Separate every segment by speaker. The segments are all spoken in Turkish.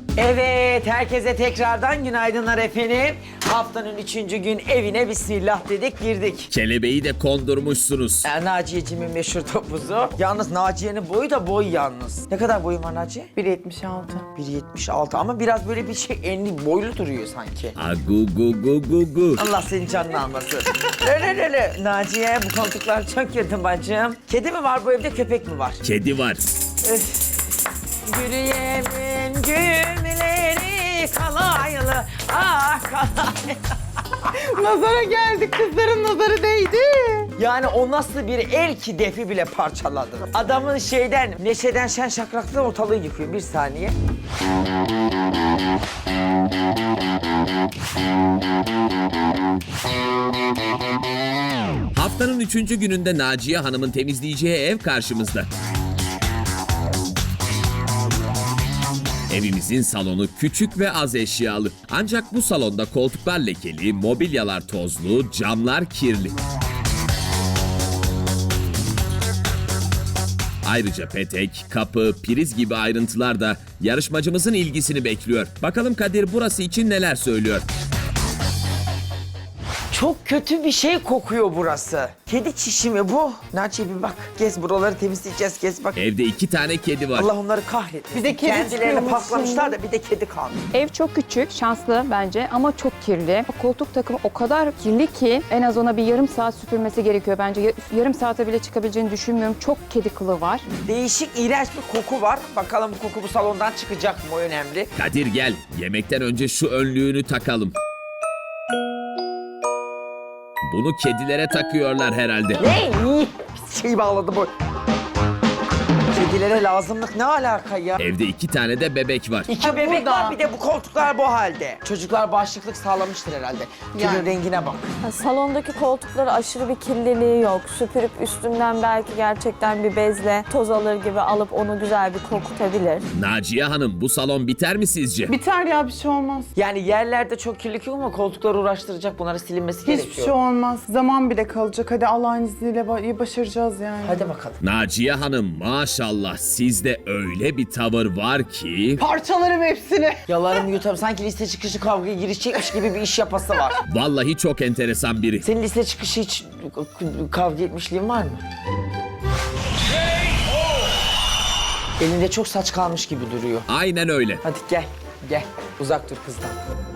Speaker 1: Evet, herkese tekrardan günaydınlar efendim. Haftanın 3. gün evine bismillah dedik, girdik.
Speaker 2: Kelebeği de kondurmuşsunuz.
Speaker 1: Naciye'cimin meşhur topuzu. Yalnız Naciye'nin boyu da boy yalnız. Ne kadar boyun var Naciye?
Speaker 3: 1.76.
Speaker 1: 1.76 ama biraz böyle bir şey enli boylu duruyor sanki.
Speaker 2: Agu gu gu gu gu.
Speaker 1: Allah senin canını almasın. Öyle. Naciye bu koltuklar çok kötü bacım. Kedi mi var bu evde, köpek mi var?
Speaker 2: Kedi var.
Speaker 1: Yürüyemin gümleri kalaylı, ah kalaylı.
Speaker 3: Nazara geldik, kızların nazarı değdi.
Speaker 1: Yani o nasıl bir el ki defi bile parçaladı. Adamın neşeden şen şakraklığı ortalığı yıkıyor. Bir saniye.
Speaker 2: Haftanın 3. gününde Naciye Hanım'ın temizleyeceği ev karşımızda. Evimizin salonu küçük ve az eşyalı. Ancak bu salonda koltuklar lekeli, mobilyalar tozlu, camlar kirli. Ayrıca petek, kapı, priz gibi ayrıntılar da yarışmacımızın ilgisini bekliyor. Bakalım Kadir burası için neler söylüyor.
Speaker 1: Çok kötü bir şey kokuyor burası. Kedi çişi mi bu? Naciye bir bak. Gez, buraları temizleyeceğiz. Gez bak.
Speaker 2: Evde 2 tane kedi var.
Speaker 1: Allah onları kahretsin.
Speaker 3: Bir de kedi
Speaker 1: Kendilerini
Speaker 3: çıkıyormuş
Speaker 1: paklamışlar da bir de kedi kalmış.
Speaker 4: Ev çok küçük, şanslı bence ama çok kirli. Koltuk takımı o kadar kirli ki en az ona bir yarım saat süpürmesi gerekiyor bence. Yarım saate bile çıkabileceğini düşünmüyorum. Çok kedi kılı var.
Speaker 1: Değişik, iğrenç bir koku var. Bakalım bu koku bu salondan çıkacak mı? O önemli.
Speaker 2: Kadir gel, yemekten önce şu önlüğünü takalım. Bunu kedilere takıyorlar herhalde.
Speaker 1: Ne? Bir şey bağladı bu. Kedilere lazımlık ne alaka ya?
Speaker 2: Evde 2 tane de bebek var.
Speaker 1: 2 bebek var, bir de bu koltuklar bu halde. Çocuklar bağışıklık sağlamıştır herhalde. Tülün
Speaker 3: Yani.
Speaker 1: rengine bak.
Speaker 5: Salondaki koltukları aşırı bir kirliliği yok. Süpürüp üstünden belki gerçekten bir bezle toz alır gibi alıp onu güzel bir kokutabilir.
Speaker 2: Naciye Hanım, bu salon biter mi sizce?
Speaker 3: Biter ya, bir şey olmaz.
Speaker 1: Yani yerlerde çok kirlilik yok ama koltuklar uğraştıracak. Bunların silinmesi gerekiyor.
Speaker 3: Hiçbir şey olmaz. Zaman bile kalacak. Hadi Allah'ın izniyle başaracağız yani.
Speaker 1: Hadi bakalım.
Speaker 2: Naciye Hanım, maşallah sizde öyle bir tavır var ki...
Speaker 3: Parçalarım hepsini.
Speaker 1: Yalarım yutarım. Sanki liste çıkışı kavgaya girişecekmiş gibi bir iş yapası var.
Speaker 2: Vallahi çok enteresan biri.
Speaker 1: Senin liste çıkışı hiç kavga etmişliğin var mı? Elinde çok saç kalmış gibi duruyor.
Speaker 2: Aynen öyle.
Speaker 1: Hadi gel. Uzak dur kızdan.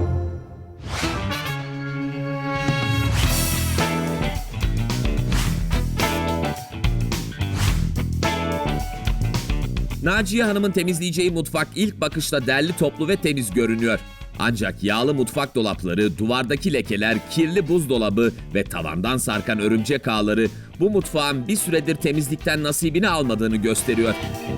Speaker 2: Naciye Hanım'ın temizleyeceği mutfak ilk bakışta derli toplu ve temiz görünüyor. Ancak yağlı mutfak dolapları, duvardaki lekeler, kirli buzdolabı ve tavandan sarkan örümcek ağları bu mutfağın bir süredir temizlikten nasibini almadığını gösteriyor.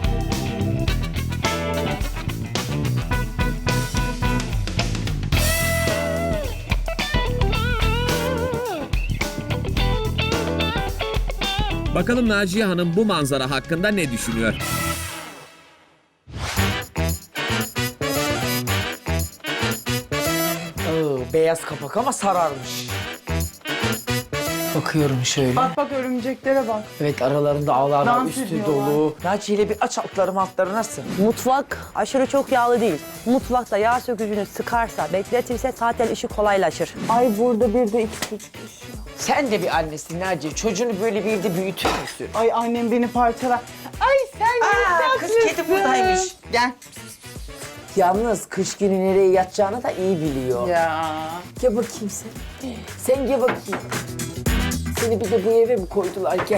Speaker 2: Bakalım Naciye Hanım bu manzara hakkında ne düşünüyor?
Speaker 1: Beyaz kapak ama sararmış. Bakıyorum şöyle.
Speaker 3: Bak örümceklere bak.
Speaker 1: Evet, aralarında ağlar var,
Speaker 3: Dans
Speaker 1: üstü
Speaker 3: ediyorlar.
Speaker 1: dolu. Naciye ile bir aç altları nasıl?
Speaker 6: Mutfak aşırı çok yağlı değil. Mutfakta yağ sökücünü sıkarsa, bekletirse zaten işi kolaylaşır.
Speaker 3: Ay burada bir de iki çocuk.
Speaker 1: Sen de bir annesin Naciye. Çocuğunu böyle bir evde büyütür müsün?
Speaker 3: Ay annem beni parçalar. Ay sen ne
Speaker 1: kız
Speaker 3: tatlısın.
Speaker 1: kedi buradaymış.
Speaker 3: Gel.
Speaker 1: Yalnız kış günü nereye yatacağını da iyi biliyor.
Speaker 3: Ya.
Speaker 1: Gel bakayım sen. Sen gel bakayım. Seni bir de bu eve mi koydular? Gel.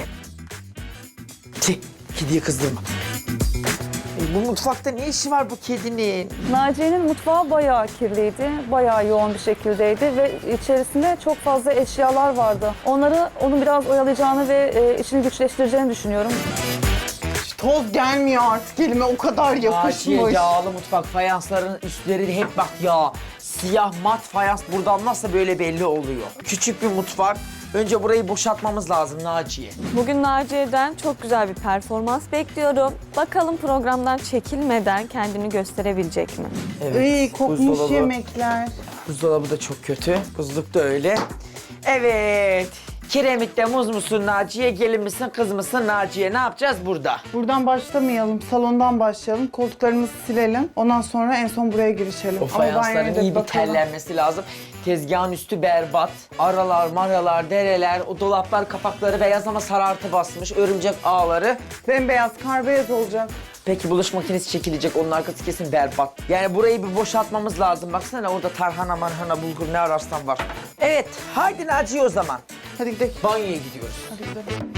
Speaker 1: Kediyi kızdırma. Bu mutfakta ne işi var bu kedinin?
Speaker 5: Naciye'nin mutfağı bayağı kirliydi. Bayağı yoğun bir şekildeydi ve içerisinde çok fazla eşyalar vardı. Onu biraz oyalayacağını ve işini güçleştireceğini düşünüyorum.
Speaker 3: Toz gelmiyor artık elime, o kadar
Speaker 1: Naciye
Speaker 3: yapışmış.
Speaker 1: yağlı mutfak, fayansların üstleri hep bak yağ. Siyah mat fayans buradan nasıl böyle belli oluyor. Küçük bir mutfak. Önce burayı boşaltmamız lazım Naciye.
Speaker 5: Bugün Naciye'den çok güzel bir performans bekliyorum. Bakalım programdan çekilmeden kendini gösterebilecek mi?
Speaker 1: Evet.
Speaker 3: Iy, kokmuş
Speaker 1: buzdolabı.
Speaker 3: yemekler.
Speaker 1: Buzdolabı da çok kötü. Buzluk da öyle. Evet. Kiremitte muz musun Naciye, gelin misin, kız mısın Naciye? Ne yapacağız burada?
Speaker 3: Buradan başlamayalım, salondan başlayalım. Koltuklarımızı silelim. Ondan sonra en son buraya girişelim.
Speaker 1: O
Speaker 3: Ama banyoya
Speaker 1: fayansların
Speaker 3: da
Speaker 1: iyi bir
Speaker 3: bakalım.
Speaker 1: tellenmesi lazım. Tezgahın üstü berbat. Aralar, maralar, dereler, o dolaplar kapakları beyaz ama sarartı basmış. Örümcek ağları.
Speaker 3: Bembeyaz, kar beyaz olacak.
Speaker 1: Peki bulaşık makinesi çekilecek, onun arkası kesin berbat. Yani burayı bir boşaltmamız lazım. Baksana orada tarhana, marhana, bulgur ne ararsan var. Evet, haydi Naciye o zaman.
Speaker 3: Hadi gidelim.
Speaker 1: Banyoya gidiyoruz.
Speaker 3: Hadi gidelim.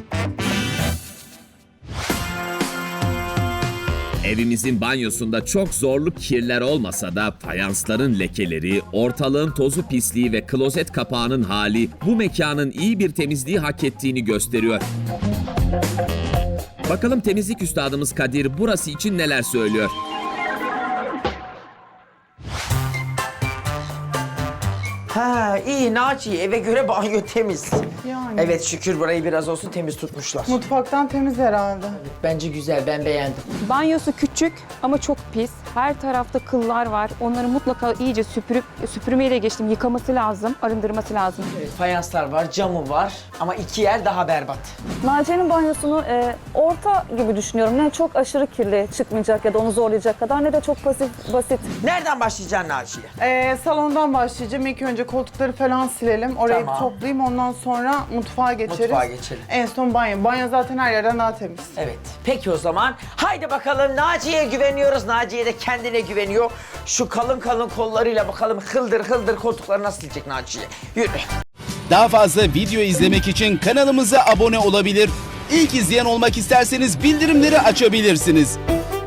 Speaker 2: Evimizin banyosunda çok zorlu kirler olmasa da fayansların lekeleri, ortalığın tozu pisliği ve klozet kapağının hali bu mekanın iyi bir temizliği hak ettiğini gösteriyor. Bakalım temizlik üstadımız Kadir burası için neler söylüyor?
Speaker 1: Ha iyi Naciye, eve göre banyo temiz.
Speaker 3: Yani.
Speaker 1: Evet şükür burayı biraz olsun temiz tutmuşlar.
Speaker 3: Mutfaktan temiz herhalde.
Speaker 1: Bence güzel, ben beğendim.
Speaker 4: Banyosu küçük ama çok pis. Her tarafta kıllar var. Onları mutlaka iyice süpürmeyle geçtim. Yıkaması lazım, arındırması lazım.
Speaker 1: Evet, fayanslar var, camı var ama iki yer daha berbat.
Speaker 5: Naciye'nin banyosunu orta gibi düşünüyorum. Ne çok aşırı kirli çıkmayacak ya da onu zorlayacak kadar ne de çok basit.
Speaker 1: Nereden başlayacaksın Naciye?
Speaker 3: Salondan başlayacağım. İlk önce koltukları falan silelim. Orayı
Speaker 1: Tamam.
Speaker 3: bir toplayayım. Ondan sonra mutfağa geçeriz.
Speaker 1: Mutfağa geçelim.
Speaker 3: En son banyo. Banyo zaten her yerden daha temiz.
Speaker 1: Evet. Peki o zaman haydi bakalım Naciye'ye güveniyoruz. Naciye de kendine güveniyor. Şu kalın kalın kollarıyla bakalım hıldır hıldır koltukları nasıl silecek Naciye. Yürü.
Speaker 7: Daha fazla video izlemek için kanalımıza abone olabilir. İlk izleyen olmak isterseniz bildirimleri açabilirsiniz.